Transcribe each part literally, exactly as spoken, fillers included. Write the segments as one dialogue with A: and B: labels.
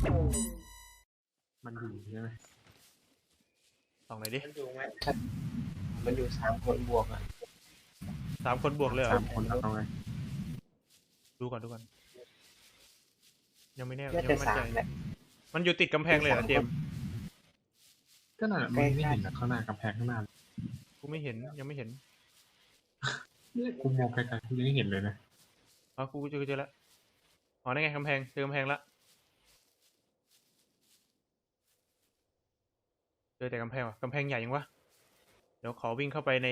A: มันอยู่ใช่ไหม
B: ส่องหน่อยดิ
C: มันอยู่ไหมมันอยู่สามคนบวกอ่ะ
B: สามคนบวกเลยเหรอ
A: สามคนเอาไง
B: ดูก่อนดูก่อนยังไม่แน่
C: น่า
B: ยัง
C: จะ
B: ไม่มั่น
C: สา
B: ใจ
C: มแหละ
B: มันอยู่ติดกำแพงเลยเหรอเจมส์
A: ก็นั่นแหละมันไม่เห็นนะข้างหน้ากำแพงข้างหน้า
B: กูไม่เห็นยังไม่เห็น
A: เนี่ยกูมองไกลๆกูยังไม่เห็นเลยนะ
B: อ๋อกูเจอเจอแล้วอ๋อนั่นไงกำแพงเจอกำแพงละเจอแต่กำแพงว่ะกำแพงใหญ่ยังวะเดี๋ยวขอวิ่งเข้าไปใน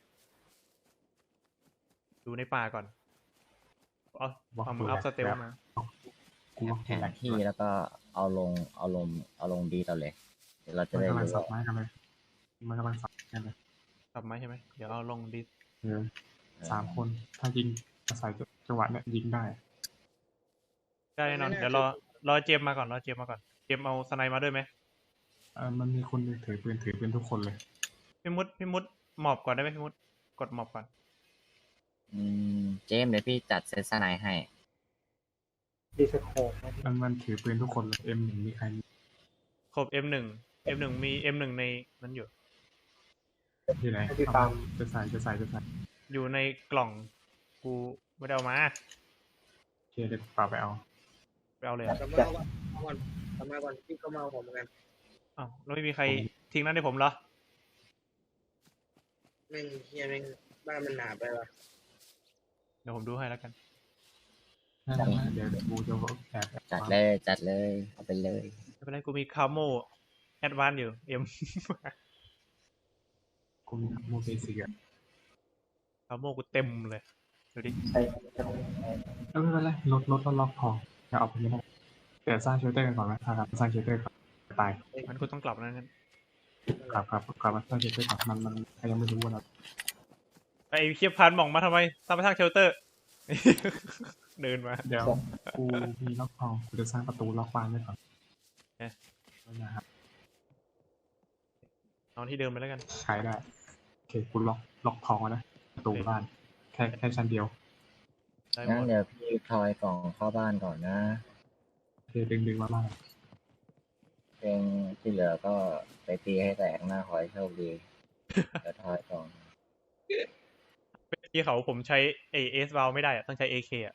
B: ดูในป่าก่อนเอาเอามืออัพสเตลมา
A: กูว่า
D: แผนที่แล้วก็เอาลงเอาลงเอาลงดีเราเลยเดี๋ยวเราจะ
A: มัน
D: ได้
A: กำลัง
D: รู้
A: สับ
D: ว่า
A: ไม้กันเลยมันกำลังสับกันเลย
B: สับไหมใช่ไหมเดี๋ยวเอาลงดิส
A: เออสามคนถ้ายิงอาศัยจังหวะเนี่ยยิงได้
B: ได้แน่นอนเดี๋ยวรอรอเจมส์มาก่อนรอเจมส์มาก่อนเจมส์เอาสไนมาด้วยไหม
A: เออมันมีคนหนึ่งถือปืนถือปืนทุกคนเลย
B: พี่มุดพี่มุดหมอบก่อนได้ไหมพี่มุดกดหมอบก่อน
D: อืมเจมส์เดี๋ยวพี่จัดเซตสไนให้
C: ดีสโคป
A: มันมันถือปืนทุกคนเลย เอ็ม หนึ่งมีใครมี
B: ครบ เอ็ม หนึ่ง เอ็ม หนึ่ง มี เอ็ม หนึ่ง ในนั้นอยู่
A: ที่ไหน
C: ที่ตาม
A: จะใส่จะใส่จะใส่
B: อยู่ในกล่องกูไม่ได้เอามา
A: โอเคเดี๋ยวป่าไปเอา
B: ไปเอาเลยอะ
C: กลับมาก่อนก่อนกลับมาก่อนพี่ก็มาเอาผมเหมือนกัน
B: อ้าวแล้วไม่มีใครทิ้งนั้นให้ผมเหรอ
C: แม่งเฮียแม่งบ้านมันหนาไปว่ะ
B: เดี๋ยวผมดูให้แล้วกัน
A: นั่นแหละเดี๋ยวเดี๋ยวกูจะแอบแอบ
D: จัดเลยจัดเลยเอาไปเลย
B: ไม่เป็นไรกูมีคาโมแอดวานอยู่ เอ็ม
A: กูมีโมเบสิกอะ
B: คาโมกูเต็มเลยดูดิ
A: เออไม่เป็นไรลดลดลดล็อกพอจะเอาไปไม่ได้เดี๋ยวสร้างเชลเตอร์กันก่อนไหมถ้าครับสร้างเชลเตอร์ก่อนตาย
B: มันกูต้องกลับแล้วงั้น
A: กลับกลับกลับมาสร้างเชลเตอร์ก่อนมันมันยังไม่รู้ว่าเรา
B: ไอ้เคียบพันหม่องมาทำไมสร้างไปสร้างเชลเตอร์ เดินมา
A: เดี๋ยวกูมีล็อกทองกูจะสร้างประตูล็อกบ้านไว้ก่อน
B: เอ๊ะ
A: นะครับ
B: นอนที่เดิมไปแล้วกัน
A: ขายได้โอเคกูล็อกล็อกทองไว้นะประตูบ้านแค่แค่ชั้นเดียว
B: ได้ห
D: งั้
B: ม
D: น
B: ด
D: เดี๋ยวพี่ทอยกล่องเข้าบ้านก่อนนะ
A: โอเคดึงดึงมาบ้าน
D: เพลงที่เหลือก็ไปตีให้แตกหน้าขอให้โชคดี เดี๋ยวทอยกล่อง
B: ที่เขาผมใช้เอเอสวาลไม่ได้อะต้องใช้ เอ เค อะ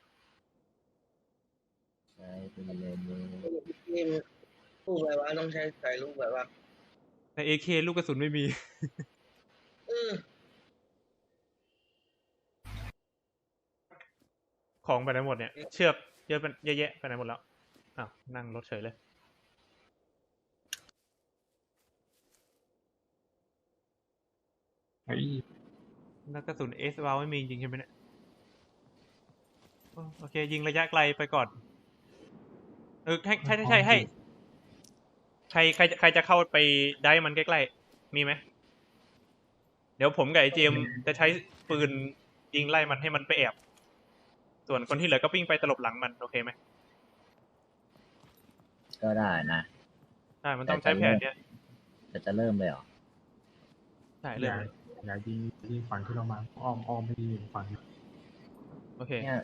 D: ใช้ไปเลยมือ
C: นี่ลูกแบบว่าต้องใช้ใส่ลูกแบบว่า
B: ใน เอ เค ลูกกระสุนไม่มี
C: เออ
B: ของไปไหนหมดเนี่ย เชือกเยอะเป็นเยอะแยะไปไหนหมดแล้วอ้าวนั่งรถเฉยเลย
A: ไอ้
B: นักกระสุนเอสวาลไม่มีจริงใช่ไหมเนี่ยโอโอเค ยิงระยะไกลไปก่อน เออให้ใช่ใช่ใช่ให้ใครใครใครจะเข้าไปได้มันใกล้ๆมีไหมเดี๋ยวผมกับไอเจมส์จะใช้ปืนยิงไล่มันให้มันไปแอบ ส่วนคนที่เหลือก็วิ่งไปตลบหลังมันโอเคไหม
D: ก็ได้นะ
B: ใช่มันต้องใช้แผนเนี้ย
D: จะจะเริ่มเลยเหรอ
B: ใช่
A: อ
B: เรื่อย่าง
A: ง
B: เลย
A: อย่ายิงยิงฝั่งที่เรามาอ้อมอ้อมไม่ยิงฝั่งนี้
B: โอเค
D: เนี่ย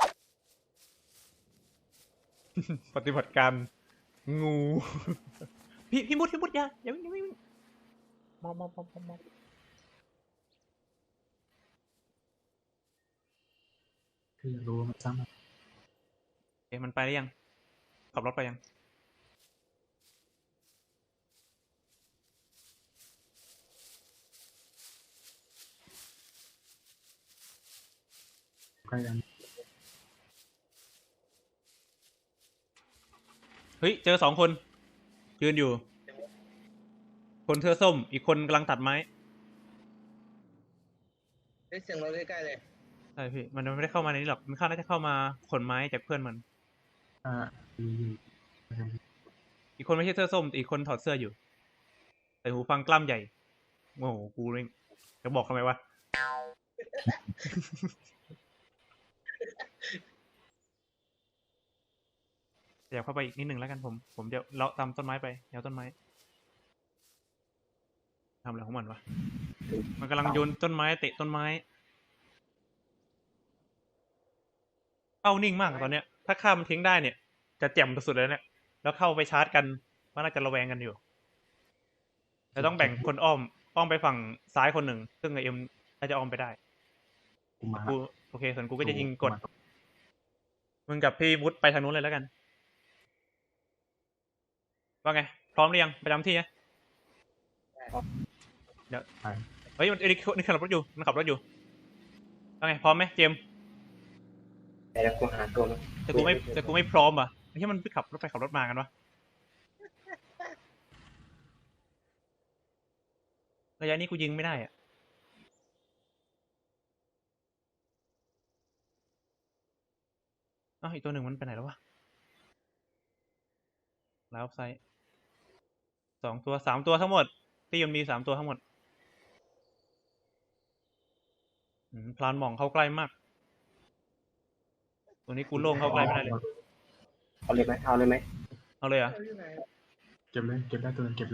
B: ปฏิบัติการงู พี่พี่มุดพี่มุดอย่าอย่าวิ่งอย่าวิ่งมองมองมองมองมอง
A: คืออยากรู้ว่ามันซ้ำ
B: เอ๊ะมันไปได้ยังขับรถไปยัง
A: ใกล้กัน
B: เฮ้ยเจอสองคนยืนอยู่ คนเสื้อส้มอีกคนกำลังตัดไม้
C: ได้เสียงเราใกล้ๆเลย
B: ใช่พี่มันไม่ได้เข้ามาในนี้หรอกมันเข้าน่าจะเข้ามาขนไม้จากเพื่อนมัน
A: อ่าอยู่อยู่
B: อีกคนไม่ใช่เสื้อส้มแต่อีกคนถอดเสื้ออยู่ใส่หูฟังกล้ามใหญ่โอ้โหกูเลยจะบอกทำไมวะ เดี๋ยวเข้าไปอีกนิดหนึ่งแล้วกันผม ผมเดี๋ยวเลาะตามต้นไม้ไปแนวต้นไม้ทำอะไรของมันวะ มันกำลังโยนต้นไม้เตะต้นไม้เป้านิ่งมากอะตอนเนี้ย ถ้าข้ามมันทิ้งได้เนี่ย จะแจ่มสุดๆเลยเนี่ยแล้วเข้าไปชาร์จกันมันน่าจะระแวงกันอยู่เราต้องแบ่งคนอ้อมอ้อมไปฝั่งซ้ายคนหนึ่งซึ่งไอเอ็มน่าจะอ้อมไปได้
A: กูมา
B: กูโอเคส่วนกูก็จะยิงกด
A: มา
B: มึงกับพี่วุฒิไปทางนู้นเลยแล้วกันว่าไงพร้อมหรือยังประจำที่นะเดี๋ยว
A: ไป
B: เฮ้ยมันนี่นี่ขับรถอยู่มันขับรถอยู่ว่าไงพร้อมไหมเจมส์
E: แต่ละกูหาตัวมัน
B: แต่กูไม่แต่กูไม่พร้อมอ่ะไอ้ที่มันไปขับรถไปขับรถมากันวะระยะนี้กูยิงไม่ได้อ่ะอ้าวอีกตัวหนึ่งมันไปไหนแล้ววะแล้วไซด์สองตัวสามตัวทั้งหมดตีมันมีสามตัวทั้งหมดอืมพลานหม่องเข้าใกล้มากตัวนี้กูโล่งเข้าใกล้ไม่ได้เลย
E: เอาเลยไหมเอาเลยไหม
B: เอาเลยเหรอ่ะ
C: เอาอยู่ไหน
A: เก็บเลยเก็บได้ตัวนึงเก็บเลย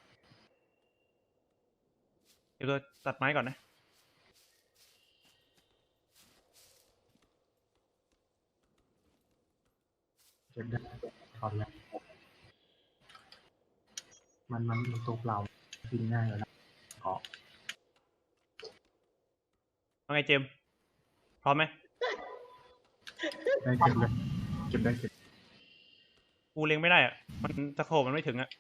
B: เดี๋ยวตัวตัดไม้ก่อนนะ
A: เก็บได้ถอดแล้วมันมันมันตัวเปล่ายิงง่ายเลยนะอ๋อ
B: ว่าไงเจมส์พร้อมไหม
A: ได้เก็บเลยเก็บได้เก็บ
B: กูเล็งไม่ได้อ่ะมันตะโขบมันไม่ถึงอ่ะ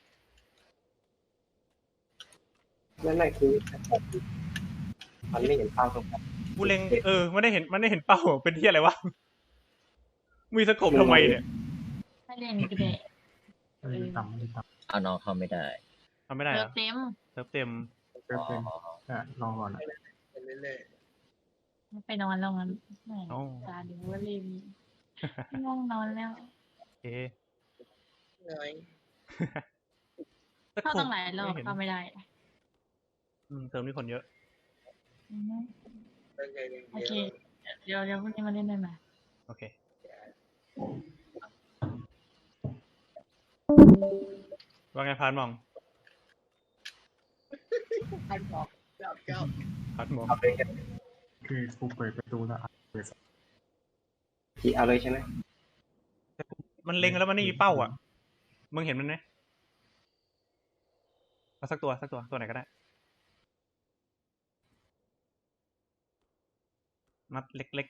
E: นั่นนั่นคือมันไม่เห็นเป้าตรงนั้น
B: กูเล็งเออมันได้เห็นมันได้เห็นเป้าเป็นที่อะไรวะมีสะโขบทำไมเนี่ย
F: ไม่เล่นก็ได้
A: ไม่ได้ต่ำไม่ได้ต่
D: เอาน้องเข้าไม่ได้
B: ทำไม่ได้
F: เลิ
B: เหร
F: ก
B: อ
F: เต็ม
B: เติมเต็ม
A: ำเต็มเต็มแต่รอก่อนนะ
C: ไปเรื่อย
F: ไปนอนแล้วงั้นแหม่
B: โอ้
F: ตาดูว่าเล่นง่วงนอนแล้ว
B: โอเค
C: ๆเหนื่อย
B: สะ
F: เข้า
B: โขบ
F: ตั้งหลายรอบ
B: ไม่เห็น
F: เข้าไม่ได้
B: อืมเติมนี่คนเยอะ
F: อือฮึ
C: ตั้งใจเรียน
F: โอ
C: เย
F: เค
C: อะ
F: เดี๋ยวเดี๋ยวพรุ่งนี้มาเล่นได้ไหม
B: โอเคว่าไงพานหมอง
C: พันบอกเก้าเก้า
B: พานหมอง
E: เอาเลยใช่ไหม
A: คือกูเปิดประตูแล้วอ่ะเปิด
E: พี่เอาเลยใช่ไหม
B: มันเล็งแล้วมันไม่มีเป้าอ่ะมึงเห็นมันไหมเอาสักตัวสักตัวตัวไหนก็ได้นัดเล็ก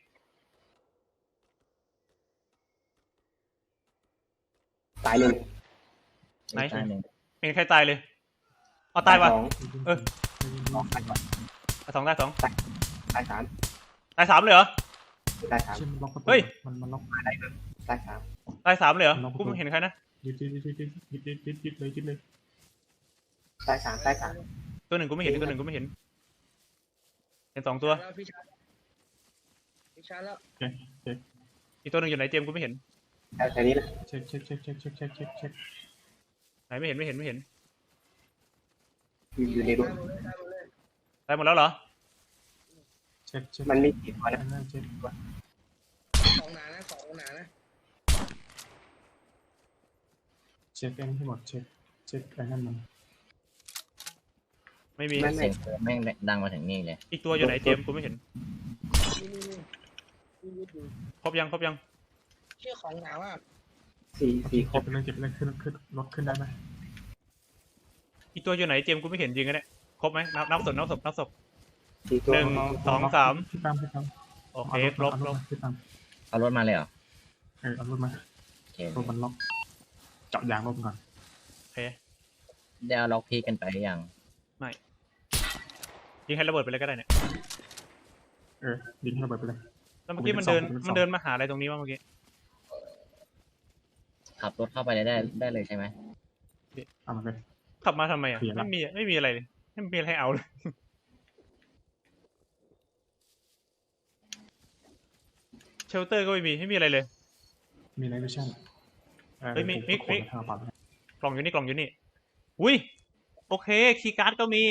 E: ตายหนึ่ง
B: ไหน
D: ตายหนึ่ง
B: ๆเป็นใครตายเลยเอาตายวะ
E: สอง
B: เออ
E: สองตายก่อน
B: เอาสองตายสอง
E: ตายสาม
B: ตายสามเลยเหรอ
E: ตายสาม
A: เช่นมันล็อกประตู
B: เฮ้ย
A: มันมันล็อก
E: ตายสาม
B: ตายสามเลยเหรอ
A: ลองไปดู
B: กูไม่เห็นใครนะ
A: ยึดยึดยึดยึดยึดยึดยึดยึดเลยยึดเลย
E: ตายสามตายสาม
B: ตัวหนึ่งกูไม่เห็นตัวหนึ่งกูไม่เห็นเห็นสองตัว
C: แล้วพี่ชาร์จพี่ชาร์จแล้ว
A: โอเคโอเค
B: อีกตัวหนึ่งอยู่ไหนเจมส์กูไม่เห็น
E: แต่แต่นี้นะ
A: เช็คเช็คเช็คเช็คเช็คเช็คเช็คเช็ค
B: ไหนไม่เห็นไม่เห็นไม่เห็น
E: อยู่อยู่ในรู
C: ตามหมดเลยตามหมดเลย
B: ตายหมดแล้วเหรอ
A: เช็คเช็ค
E: มันมีกี่ตัวนะ
A: เช็ค
C: ของหนานะของหนานะ
A: เช็คเองให้หมดเช็คเช็คไอ้นั่นมัน
B: ไม่มี
D: เสียงแม่งดังมาถึงนี่เลย
B: อีกตัวอยู่ไหนเจมส์กูไม่เห็น
C: นี่นี่นี่นี่ยึดอยู่
B: ครบยังครบยัง
C: เชื่อของหนาว่า
E: สี่สี่คร
A: เก็
E: บบ
A: ไปเลยเก็บไปเลยขึ้นขึ้นรถขึ้นได้ไหม
B: อีกตัวอยู่ไหนเจมส์กูไม่เห็นจริงกันเนี่ยครบไหมนับนับศพนับศพนับศพ
E: สี่ตัว
B: หนึ่ง สองสาม
A: ขึ้นตามขึ้นตาม
B: โอเคครบครบ
A: ขึ้นตาม
D: เอารถมาเลยเหรอ
A: เออเอารถมา
D: โอเค
A: รถมันล็อกเจาะยางรถก่อน
B: โอเค
D: ได้เอาล็อกพีกันไปหรือยัง
B: ยิงให้ระเบิดไปเลยก็ได้เนี่ย
A: เออยิงให้ระเบิดไปเลย
B: แล้วเมื่อกี้มันเดินมันเดินมาหาอะไรตรงนี้วะเมื่อกี้
D: ขับรถเข้าไปเลยได้ได้เลยใช่ไหม
A: เอามาเลย
B: ขับมาทำไมอ่ะ
A: เคลียร์ละ
B: ไม่มีไม่มีอะไรเลยไม่มีอะไรให้เอาเลยเชลเตอร์ก็ไม่มีไม่มีอะไรเลย
A: มีไนท์วิชั่น
B: เฮ้ยมิกมิกมิก
A: ทางปัด
B: กล่องอยู่นี่กล่องอยู่นี่อุ้ยโอเคคีย์การ์ดก็มี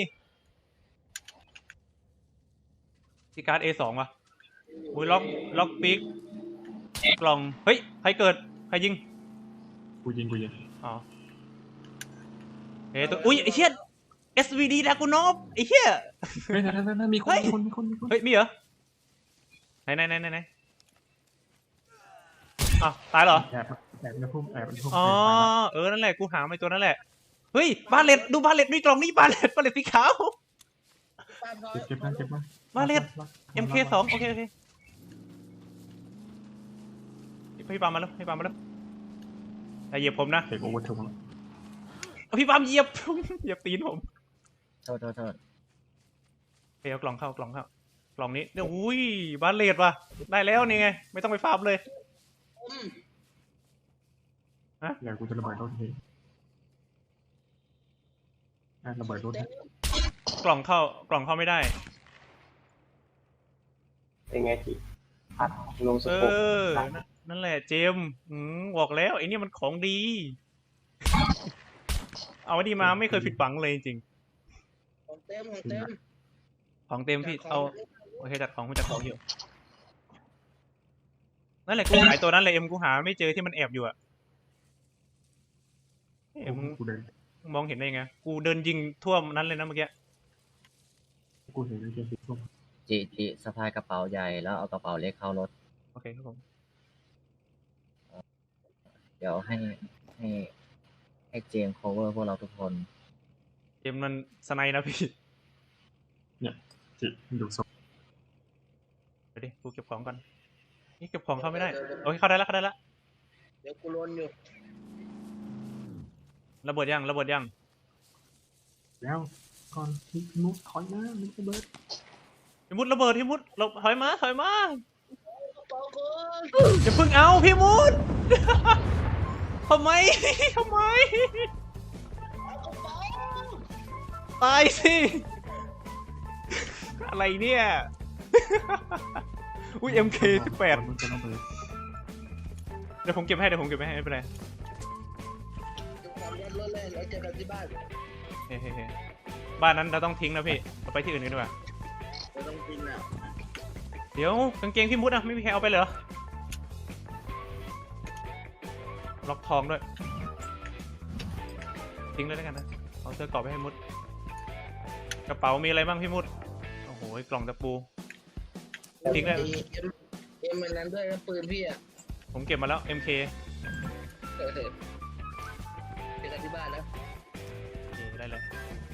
B: คีย์การ์ด เอ สอง ว่ะอุ้ยล็อกล็อกปิกกล่องเฮ้ยใครเกิดใครยิง
A: กูยิงกูยิง
B: อ๋อเฮ้ยตัวอุ้ยไอ้เชี่ย เอส วี ดี ดากูนอฟไอ้เชี่ย
A: เฮ้ยนั่นนั่นมีคนมีคนมีคนมีคน
B: เฮ้ยมีเหรอไหนไหนไหนไหนไหนอ้าวตายเหรอ
A: แอบแอบในพุ่มแอบในพุ่ม
B: อ๋อ
A: ไปไป
B: เออ นั่นแหละ กูหาไม่ตัวนั่นแหละ เฮ้ย บาเลตดูบาเลตด้วยกล่องนี้บาเลตบาเลตสีขาว
C: ปาดร้อย
A: เก็บเก็บนะเก็บนะ
B: มาเล็ด
A: ล็อก
B: เอ็ม เค สองโอเคโอเคพี่ปาล์มมาแล้วพี่ปาล์มมาแล้วอย่าเหยียบผมนะ
A: เก็บโอเวอร์ทูแล้ว
B: เอาพี่ปาล์มเหยียบ เหยียบตีนผม
D: โทษโทษโทษ
B: ไปเอากล่องเข้ากล่องเข้ากล่องนี้เดี๋ยวอุ้ยบาเลตว่ะได้แล้วนี่ไงไม่ต้องไปฟาร์มเลย
C: อืม
A: เดี๋ยวกูจะระเบิดรถทีอ่ะระเบิดรถนะ
B: กล่องเข้ากล่องเข้าไม่ได้
E: เป็นไงจีอัดลงส
B: เอ
E: โคป
B: อนั่นนั่นแหละเจมส์อืมบอกแล้วไอ้นี่มันของดี เอาไอ้ดีมาไม่เคยผิดหวังเลยจริง
C: ของเต็มของเต็ม
B: ๆของเต็มพี่เอาโอเคจัดของกูจัดของอยู่นั่นแหละกูหายตัวนั้นเลยเอ็มกูหาไม่เจอที่มันแอบอยู่อะเอ็ม
A: กูเดิน
B: มองเห็นได้ไงกูเดินยิงทั่วนั้นเลยนะเมื่อกี้
A: กูเห็นในเกมสีส้ม
D: จิจิสะพายกระเป๋าใหญ่แล้วเอากระเป๋าเล็กเข้ารถ
B: โอเคครับผม
D: เดี๋ยวให้ให้ให้เจมส์ cover พวกเราทุกคน
B: เกมมันสไนด์นะพี่
A: จิดูศพ
B: เดี๋ยวดิกูเก็บของก่อนนี่เก็บของเข้าไม่ได้โอเคเข้าได้แล้วเข้าได้แล้ว
C: เดี๋ยวกูลนอยู่
B: ระเบิดยังระเบิดยัง
A: แล้วก่อนที่มุกถอยมามันระเบิด
B: พี่มุดระเบิดพี่มุดเราถอยมาถอยมา
C: ปอกก่อน
B: อย่าเพิ่งเอาพี่มุด ทำไม ทำไม ตายสิ อะไรเนี่ย อุ้ย เอ็ม เค สิบแปด
A: มันจะระเบิด
B: เดี๋ยวผมเก็บให้เดี๋ยวผมเก็บให้ไม่เป็นไร
C: ดูความร้อนรถเลยแล้วเจอกันที่บ้าน
B: เฮ้เฮ้บ้านนั้นเราต้องทิ้งนะพี่เราไปที่อื่นกันดีกว่า
C: เราต้องกินอ่ะ
B: เดี๋ยวกางเกงพี่มุดอะไม่มีใครเอาไปเหรอ ล็อกทองด้วย ทิ้งเลยแล้วกันนะ เอาเสื้อกรอบไปให้มุด กระเป๋ามีอะไรบ้างพี่มุด โอ้โหกล่องตะปู ทิ้งเลย
C: เอ็มเอ็มมันนั้นด้วยนะปืนพี่อ่ะ
B: ผมเก็บมาแล้ว เอ็ม เค
C: เออเจอกันที่บ้านนะ
B: โอเคได้เลย